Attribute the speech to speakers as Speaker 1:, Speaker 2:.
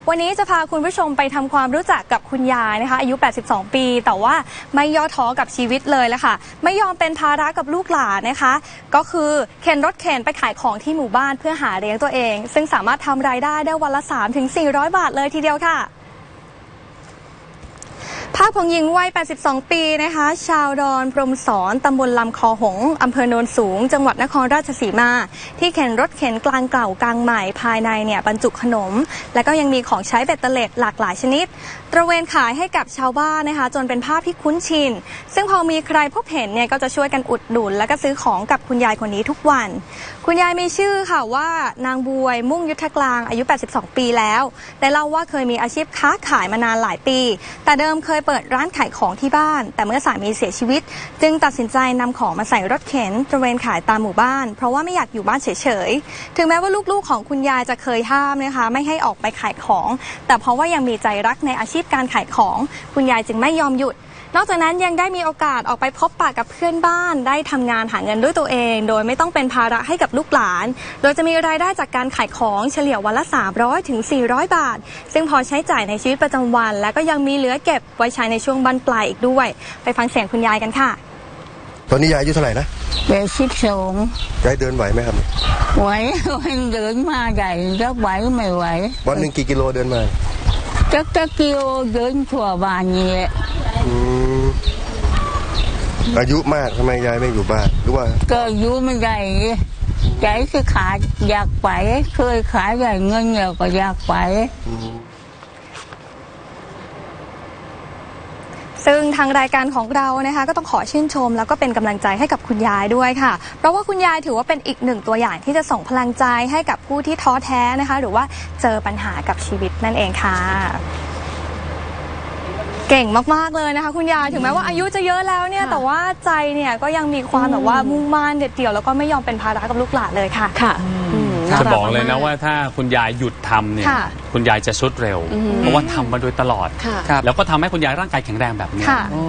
Speaker 1: วันนี้จะพาคุณผู้ชมไปทำความรู้จักกับคุณยายนะคะอายุ 82 ปีแต่ว่าไม่ย่อท้อกับชีวิตเลยละค่ะไม่ยอมเป็นภาระกับลูกหลานนะคะก็คือเข็นรถเข็นไปขายของที่หมู่บ้านเพื่อหาเลี้ยงตัวเองซึ่งสามารถทำรายได้วันละ 3-400 บาทเลยทีเดียวค่ะภาพของหญิงวัย 82 ปีนะคะชาวดอนพรหมสอนตำบลลำคอหงอำเภอโนนสูงจังหวัดนครราชสีมาที่เข็นรถเข็นกลางเก่ากลางใหม่ภายในเนี่ยบรรจุขนมและก็ยังมีของใช้เบ็ดเตล็ดหลากหลายชนิดตระเวนขายให้กับชาวบ้านนะคะจนเป็นภาพที่คุ้นชินซึ่งพอมีใครพบเห็นเนี่ยก็จะช่วยกันอุดหนุนและก็ซื้อของกับคุณยายคนนี้ทุกวันคุณยายมีชื่อค่ะว่านางบวยมุ่งยุทธกลางอายุ 82 ปีแล้วได้เล่าว่าเคยมีอาชีพค้าขายมานานหลายปีแต่เดิมเคยเปิดร้านขายของที่บ้านแต่เมื่อสามีเสียชีวิตจึงตัดสินใจนำของมาใส่รถเข็นตระเวนขายตามหมู่บ้านเพราะว่าไม่อยากอยู่บ้านเฉยๆถึงแม้ว่าลูกๆของคุณยายจะเคยห้ามนะคะไม่ให้ออกไปขายของแต่เพราะว่ายังมีใจรักในอาชีพการขายของคุณยายจึงไม่ยอมหยุดนอกจากนั้นยังได้มีโอกาสออกไปพบปะกับเพื่อนบ้านได้ทำงานหาเงินด้วยตัวเองโดยไม่ต้องเป็นภาระให้กับลูกหลานโดยจะมีรายได้จากการขายของเฉลี่ยวันละ 300-400 บาทซึ่งพอใช้จ่ายในชีวิตประจำวันและก็ยังมีเหลือเก็บไว้ใช้ในช่วงบั้นปลายอีกด้วยไปฟังเสียงคุณยายกันค่ะ
Speaker 2: ตอนนี้ยายอายุเท่าไหร่นะ
Speaker 3: 82
Speaker 2: ยายเดินไหวไหมครับ
Speaker 3: ไหวเดินมาใหญ่ก็ไหวไม่ไหว
Speaker 2: วันหนึ่งกี่กิโลเดินมา
Speaker 3: จักกิโลเดินทั่วบ้านนี่แหละ
Speaker 2: อายุมากทำไมยายไม่อยู่บ้านหรือว่า
Speaker 3: ก็อยู่ไม่ได้ใจก็ขาดอยากไปเคยขายได้เงินเยอะก็อยากไป
Speaker 1: ซึ่งทางรายการของเรานะคะก็ต้องขอชื่นชมแล้วก็เป็นกำลังใจให้กับคุณยายด้วยค่ะเพราะว่าคุณยายถือว่าเป็นอีกหนึ่งตัวอย่างที่จะส่งพลังใจให้กับผู้ที่ท้อแท้นะคะหรือว่าเจอปัญหากับชีวิตนั่นเองค่ะเก่งมากๆเลยนะคะคุณยายถึงแม้ว่าอายุจะเยอะแล้วเนี่ยแต่ว่าใจเนี่ยก็ยังมีความแบบว่ามุ่งมั่นเด็ดเดี่ยวแล้วก็ไม่ยอมเป็นภาระกับลูกหลานเลยค่ะ
Speaker 4: จะบอกเลยนะว่าถ้าคุณยายหยุดทำเนี่ยคุณยายจะทรุดเร็วเพราะว่าทำมาโดยตลอดแล้วก็ทำให้คุณยายร่างกายแข็งแรงแบบนี้